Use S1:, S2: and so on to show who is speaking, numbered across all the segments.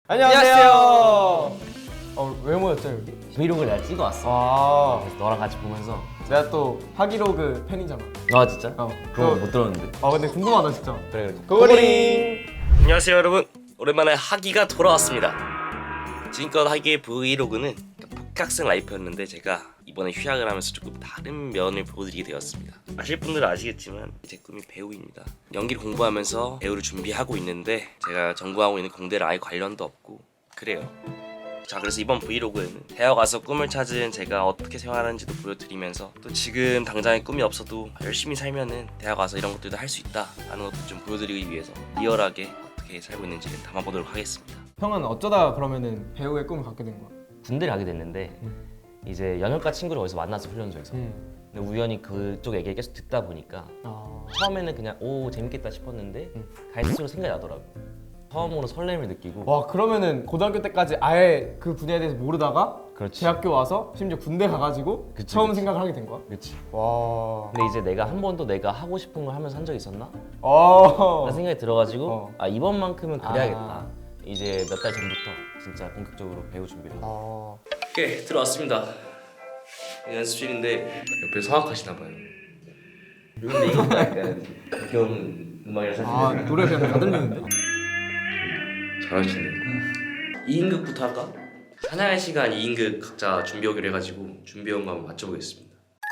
S1: 안녕하세요. 왜 모였죠 여기?
S2: 브이로그를 내가 찍어왔어. 그래서 너랑 같이 보면서
S1: 내가 또 하기로그 팬이잖아.
S2: 아 진짜? 그거
S1: 또-
S2: 못 들었는데.
S1: 근데 궁금하다 진짜.
S2: 그래.
S1: 고고링.
S3: 안녕하세요 여러분, 오랜만에 하기가 돌아왔습니다. 지금껏 하기의 브이로그는 복학생 라이프였는데 제가 이번에 휴학을 하면서 조금 다른 면을 보여드리게 되었습니다. 아실 분들은 아시겠지만 제 꿈이 배우입니다. 연기를 공부하면서 배우를 준비하고 있는데 제가 전공하고 있는 공대랑 아예 관련도 없고 그래요. 자, 그래서 이번 브이로그에는 대학 와서 꿈을 찾은 제가 어떻게 생활하는지도 보여드리면서 또 지금 당장의 꿈이 없어도 열심히 살면은 대학 와서 이런 것들도 할 수 있다 라는 것도 좀 보여드리기 위해서 리얼하게 어떻게 살고 있는지를 담아보도록 하겠습니다.
S1: 형은 어쩌다 그러면은 배우의 꿈을 갖게 된 거야?
S2: 군대를 가게 됐는데 이제 연영과 친구를 어디서 만났어, 훈련소에서. 근데 우연히 그쪽 얘기를 계속 듣다 보니까 처음에는 그냥 오 재밌겠다 싶었는데 갈수록 생각이 나더라고. 처음으로 설렘을 느끼고.
S1: 와, 그러면은 고등학교 때까지 아예 그 분야에 대해서 모르다가
S2: 그렇지.
S1: 대학교 와서 심지어 군대 가가지고
S2: 그치,
S1: 처음
S2: 그치.
S1: 생각을 하게 된 거야?
S2: 그렇지.
S1: 와.
S2: 근데 이제 내가 한 번도 내가 하고 싶은 걸 하면서 한 적이 있었나?
S1: 어.
S2: 라는 생각이 들어가지고 아 이번만큼은 그래야겠다.
S1: 아.
S2: 이제 몇 달 전부터 진짜 본격적으로 배우 준비를 하고.
S3: 오케이, 들어왔습니다. 연습실인데 옆에 성악하시나봐요. 근데 이거 약간 가벼운 음악이라
S1: 노래 그냥 다 들리는데?
S3: 잘하시네. 2인극부터 할까? 사냥의 시간 2인극 각자 준비하기로 해가지고 준비한 거 한번 맞춰보겠습니다.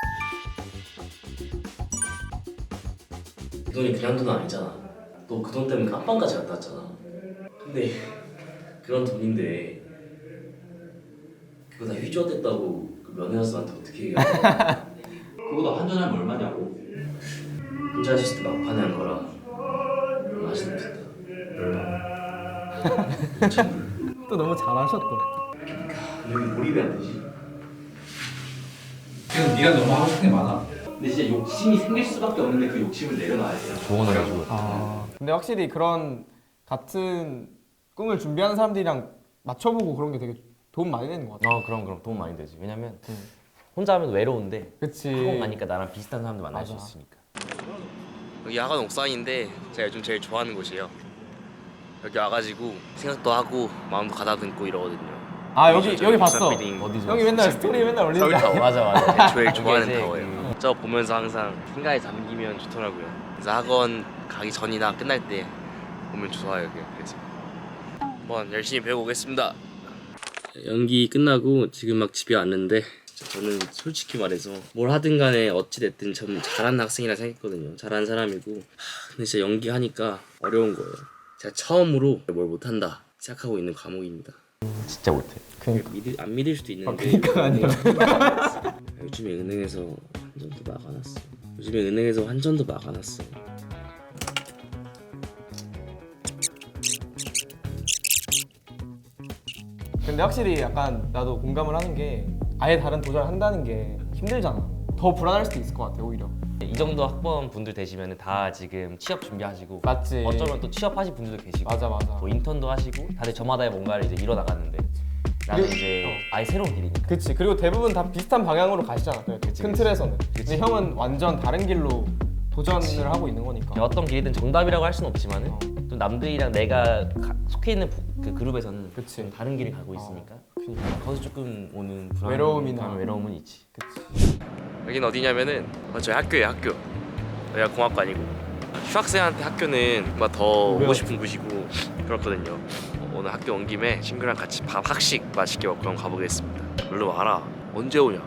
S3: 그 돈이 그냥 돈 아니잖아. 너 그 돈 때문에 깜빵까지 갔다 왔잖아. 근데 그런 돈인데 그거 다 휘저었댔다고 그 면회사한테 어떻게 얘기해?
S4: 그거도 한전하면 얼마냐고.
S3: 혼자 하셨을 때 막판에 한 거라 맛이 느꼈다. 얼마?
S1: 또 너무 잘하셨다.
S3: 여기 몰입이 안 되지?
S4: 지금 네가 너무 하고 싶은 게 많아. 근데 진짜 욕심이 생길 수밖에 없는데 그 욕심을 내려놔야 돼.
S2: 조언을 해주고.
S1: 근데 확실히 그런 같은 꿈을 준비하는 사람들이랑 맞춰보고 그런 게 되게 도움 많이 되는 것 같아.
S2: 그럼 도움 많이 되지. 왜냐면 혼자 하면 외로운데
S1: 그치.
S2: 학원 가니까 나랑 비슷한 사람들 만날
S1: 맞아.
S2: 수 있으니까.
S3: 여기 야간 옥상인데 제가 요즘 제일 좋아하는 곳이에요. 여기 와가지고 생각도 하고 마음도 가다듬고 이러거든요.
S1: 여기 봤어.
S3: 빌딩.
S2: 어디서?
S1: 형이 맨날 스토리 맨날 올린다.
S3: 서울타워.
S2: 맞아.
S3: 제일 좋아하는
S2: 이제
S3: 타워예요. 저 보면서 항상 생각에 잠기면 좋더라고요. 그래서 학원 가기 전이나 끝날 때 보면 좋아요. 그래서 한번 열심히 배우고 오겠습니다. 연기 끝나고 지금 막 집에 왔는데 저는 솔직히 말해서 뭘 하든 간에 어찌 됐든 전 잘하는 학생이라 생각했거든요. 잘하는 사람이고 근데 진짜 연기하니까 어려운 거예요. 제가 처음으로 뭘 못한다 시작하고 있는 과목입니다.
S2: 진짜 못해.
S3: 안 믿을 수도 있는데
S1: 그러니까 아니라.
S3: 요즘에 은행에서 환전도 막아놨어. 요즘에 은행에서 환전도 막아놨어.
S1: 근데 확실히 약간 나도 공감을 하는 게 아예 다른 도전을 한다는 게 힘들잖아. 더 불안할 수도 있을 것 같아 오히려.
S2: 이 정도 학번 분들 되시면 다 지금 취업 준비하시고
S1: 맞지.
S2: 어쩌면 또 취업하신 분들도 계시고
S1: 맞아.
S2: 또 인턴도 하시고 다들 저마다의 뭔가를 이제 이뤄 나가는데 나는
S1: 그리고-
S2: 이제 아예 새로운 길이니까.
S1: 그치. 그리고 대부분 다 비슷한 방향으로 가시잖아. 그래도 큰 틀에서는. 근데 형은 완전 다른 길로 도전을 하고 있는 거니까.
S2: 어떤 길이든 정답이라고 할 수는 없지만은 또 남들이랑 내가 속해 있는 그 그룹에서는
S1: 그치.
S2: 좀 다른 길을 가고 있으니까 거기서 조금 오는
S1: 외로움이나.
S2: 외로움은 있지.
S3: 여기는 어디냐면은 저희 학교예요. 학교. 여기가 공학과니고 휴학생한테 학교는 뭔가 더 오고 싶은 곳이고 그렇거든요. 오늘 학교 온 김에 친구랑 같이 밥 학식 맛있게 먹고 한번 가보겠습니다. 얼른 와라. 언제 오냐?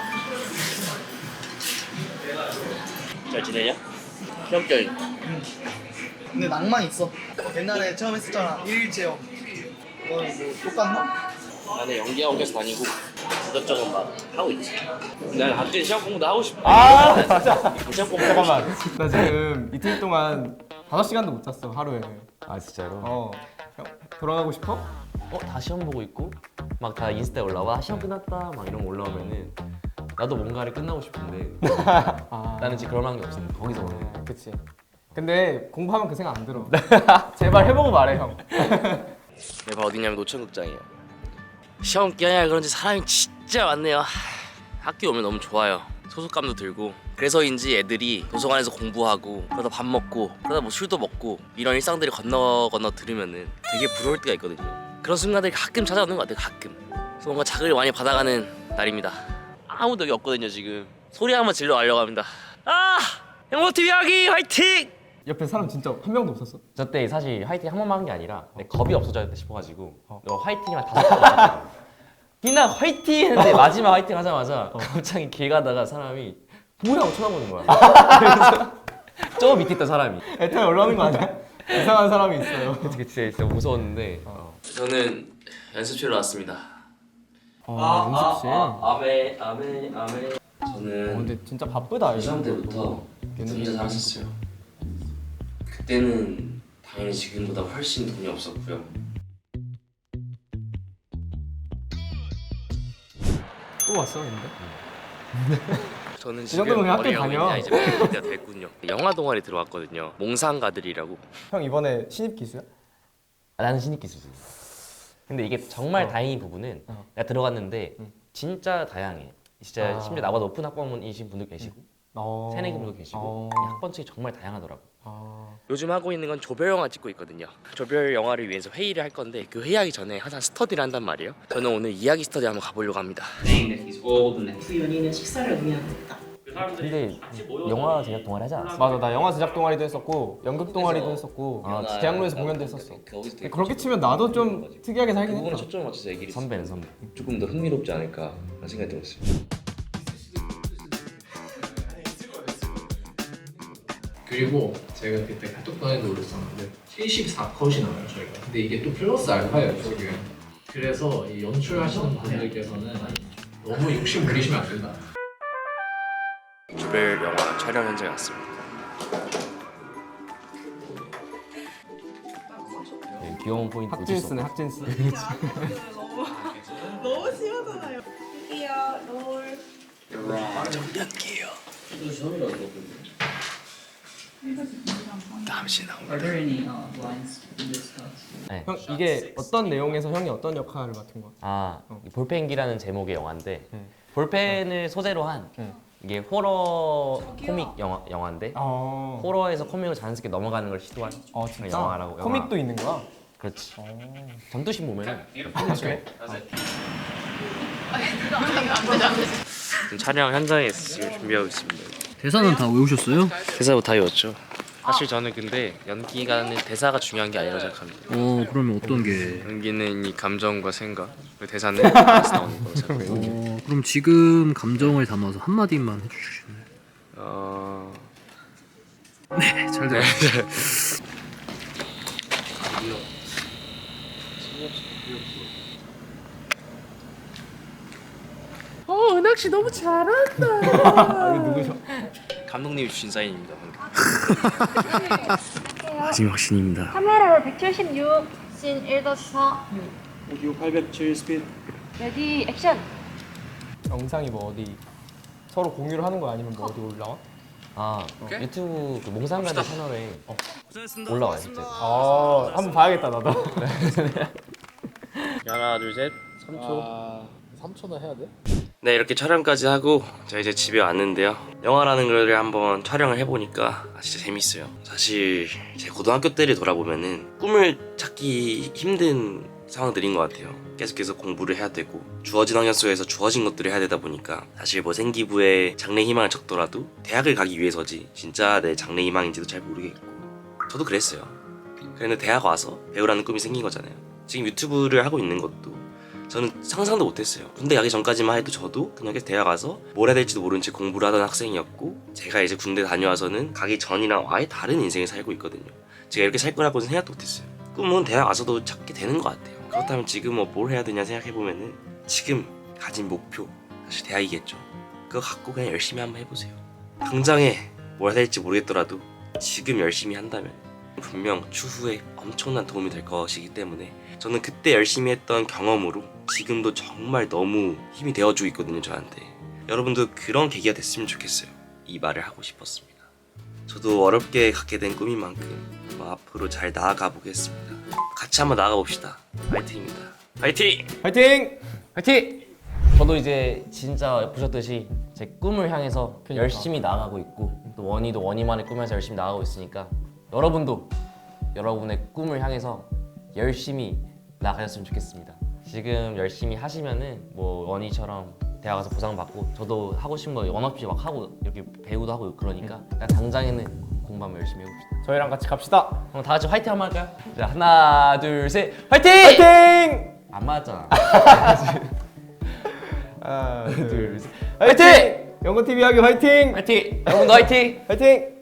S3: 잘 지내냐? 시험결
S5: 근데 낭만 있어. 옛날에 처음 했었잖아. 1일 체험. 너는 뭐 똑같나?
S3: 나는 연기하고 계속 다니고 이것저것 막 하고 있지. 난 학교 시험 공부도 하고 싶어.
S1: 맞아.
S3: 시험 공부
S1: 잠깐만. 나 지금 이틀 동안 5시간도 못 잤어 하루에.
S2: 아 진짜로?
S1: 형 돌아가고 싶어?
S2: 다 시험 보고 있고 막 다 인스타에 올라와 시험 끝났다 막 이런 거 올라오면은 나도 뭔가를 끝나고 싶은데 나는 지금 그럴 만한 게 없으니까 거기서 오는 거야.
S1: 그치. 근데 공부하면 그 생각 안 들어. 제발 해보고 말해 형.
S3: 내 방 어디냐면 노천극장이에요. 시험 기간이라 그런지 사람이 진짜 많네요. 학교 오면 너무 좋아요. 소속감도 들고 그래서인지 애들이 도서관에서 공부하고 그러다 밥 먹고 그러다 뭐 술도 먹고 이런 일상들이 건너 들으면은 되게 부러울 때가 있거든요. 그런 순간들이 가끔 찾아오는 것 같아요. 가끔. 그래서 뭔가 자극을 많이 받아가는 날입니다. 아무도 여기 없거든요 지금. 소리 한번 질러 가려고 합니다. 아! 영모TV 하기 화이팅!
S1: 옆에 사람 진짜 한 명도 없었어?
S2: 저 때 사실 화이팅 한 번만 한 게 아니라 겁이 없어졌다 싶어가지고 너 화이팅만 5번 희나 화이팅 했는데 마지막 화이팅 하자마자 갑자기 길 가다가 사람이 뭐야 하고 쳐다보는 거야. 그래서 저 밑에 있던 사람이
S1: 애타에 올라오는 거 아니야? 이상한 사람이 있어요.
S2: 그게 진짜 무서웠는데
S3: 저는 연습실로 왔습니다.
S1: 연습실.
S3: 아멘. 저는
S1: 근데 진짜 바쁘다.
S3: 고3 때부터 혼자 살았었어요. 그때는 당연히 지금보다 훨씬 돈이 없었고요.
S1: 또 왔어 근데?
S3: 저는
S1: 정도면 그냥 학교
S3: 어려운
S1: 다녀.
S3: 나이 이제 배울 때가 됐군요. 영화 동아리 들어왔거든요. 몽상가들이라고.
S1: 형 이번에 신입 기수야?
S2: 나는 신입 기수지. 근데 이게 정말 다행인 부분은 내가 들어갔는데 진짜 다양해. 진짜 심지어 나보다 높은 학번이신 분도 계시고 새내기 분도 계시고 이 학번층이 정말 다양하더라고.
S3: 요즘 하고 있는 건 조별 영화 찍고 있거든요. 조별 영화를 위해서 회의를 할 건데 그 회의하기 전에 항상 스터디를 한단 말이에요. 저는 오늘 이야기 스터디 한번 가보려고 합니다.
S6: 그 연인은 식사를 의미합니다.
S2: 근데 영화 제작 동아리 하지 않았어?
S1: 맞아, 나 영화 제작 동아리도 했었고 연극 동아리도 했었고 대학로에서 공연도 했었어. 근데 그렇게 치면 나도 좀 특이하게 살긴 했다.
S3: 초점을 맞춰서 얘기를
S2: 선배는 선배.
S3: 조금 더 흥미롭지 않을까 라는 생각이 들었어요.
S7: 그리고 제가 그때 카톡방에도 올렸었는데 74컷이 나와요 저희가. 근데 이게 또 플러스 알파예요 지금. 그래서 이 연출하시는 분들께서는 너무 욕심 부리시면 안 된다.
S3: 조별 영화 촬영 현장에 왔습니다.
S2: 귀여운 포인트 놓칠 수
S1: 학진스네
S2: 없어.
S1: 학진스.
S6: 너무 심하잖아요. 드디어 롤.
S8: Are there any lines in this class?
S2: 네.
S1: 형 이게 어떤 내용에서 형이 어떤 역할을 맡은 거야?
S2: 이 볼펜기라는 제목의 영화인데 볼펜을 소재로 한 이게 호러 코믹 영화인데 호러에서 코믹으로 자연스럽게 넘어가는 걸 시도한
S1: 진짜?
S2: 영화라고.
S1: 코믹도 있는 거야?
S2: 그렇지. 전투신 보면은
S1: 그래?
S3: 지금 촬영 현장에 지금 준비하고 있습니다.
S8: 대사는 다 외우셨어요?
S3: 대사 다 외웠죠. 사실 저는 근데 연기가는 대사가 중요한 게 아니라고 생각합니다.
S8: 그러면 어떤 게?
S3: 연기는 이 감정과 생각, 그리고 대사는 대사에서 나오는 거라고 생각합니다.
S8: 그럼 지금 감정을 담아서 한마디만 해주시나요? 네, 잘 들었습니다.
S3: 은학씨 너무 잘한다.
S1: 누구셔?
S3: 감독님이 주신 사인입니다. 마지막 신입니다.
S9: 카메라로 176, 씬 1.4.
S7: 오디오 807 스피드.
S9: 레디 액션.
S1: 영상이 뭐 어디 서로 공유를 하는 거 아니면 뭐 어디 올라와?
S2: 유튜브 그 몽상가들 채널에 올라와요 실제.
S1: 한번 봐야겠다 나도.
S3: 하나 둘 셋 3초.
S7: 3초나 해야 돼?
S3: 네, 이렇게 촬영까지 하고 저 이제 집에 왔는데요. 영화라는 걸 한번 촬영을 해보니까 진짜 재밌어요. 사실 제 고등학교 때를 돌아보면은 꿈을 찾기 힘든 상황들인 것 같아요. 계속해서 공부를 해야 되고 주어진 환경 속에서 주어진 것들을 해야 되다 보니까 사실 뭐 생기부에 장래 희망을 적더라도 대학을 가기 위해서지 진짜 내 장래 희망인지도 잘 모르겠고 저도 그랬어요. 그런데 대학 와서 배우라는 꿈이 생긴 거잖아요. 지금 유튜브를 하고 있는 것도 저는 상상도 못했어요. 군대 가기 전까지만 해도 저도 그냥 대학 가서 뭘 해야 될지도 모른 채 공부를 하던 학생이었고 제가 이제 군대 다녀와서는 가기 전이랑 아예 다른 인생을 살고 있거든요. 제가 이렇게 살 거라고는 생각도 못했어요. 꿈은 대학 와서도 찾게 되는 것 같아요. 그렇다면 지금 뭘 해야 되냐 생각해보면은 지금 가진 목표 사실 대학이겠죠. 그거 갖고 그냥 열심히 한번 해보세요. 당장에 뭘 해야 될지 모르겠더라도 지금 열심히 한다면 분명 추후에 엄청난 도움이 될 것이기 때문에 저는 그때 열심히 했던 경험으로 지금도 정말 너무 힘이 되어주고 있거든요 저한테. 여러분도 그런 계기가 됐으면 좋겠어요. 이 말을 하고 싶었습니다. 저도 어렵게 갖게 된 꿈인 만큼 앞으로 잘 나아가 보겠습니다. 같이 한번 나아가 봅시다. 파이팅입니다. 파이팅!
S1: 파이팅!
S2: 화이팅! 저도 이제 진짜 보셨듯이 제 꿈을 향해서 열심히 나아가고 있고 또 원희도 원희만의 꿈에서 열심히 나아가고 있으니까 여러분도 여러분의 꿈을 향해서 열심히 나가셨으면 좋겠습니다. 지금 열심히 하시면은 뭐 원희처럼 대학 가서 보상받고 저도 하고 싶은 거 원 없이 막 하고 이렇게 배우도 하고 그러니까 그냥 당장에는 공부 한번 열심히 해봅시다.
S1: 저희랑 같이 갑시다.
S2: 그럼 다 같이 화이팅 한번 할까요? 자 하나 둘 셋 화이팅!
S1: 화이팅!
S2: 안 맞았잖아.
S1: 하나,
S2: 둘 셋
S1: 화이팅! 영건 TV 하기 화이팅!
S2: 화이팅! 여러분도 화이팅!
S1: 화이팅!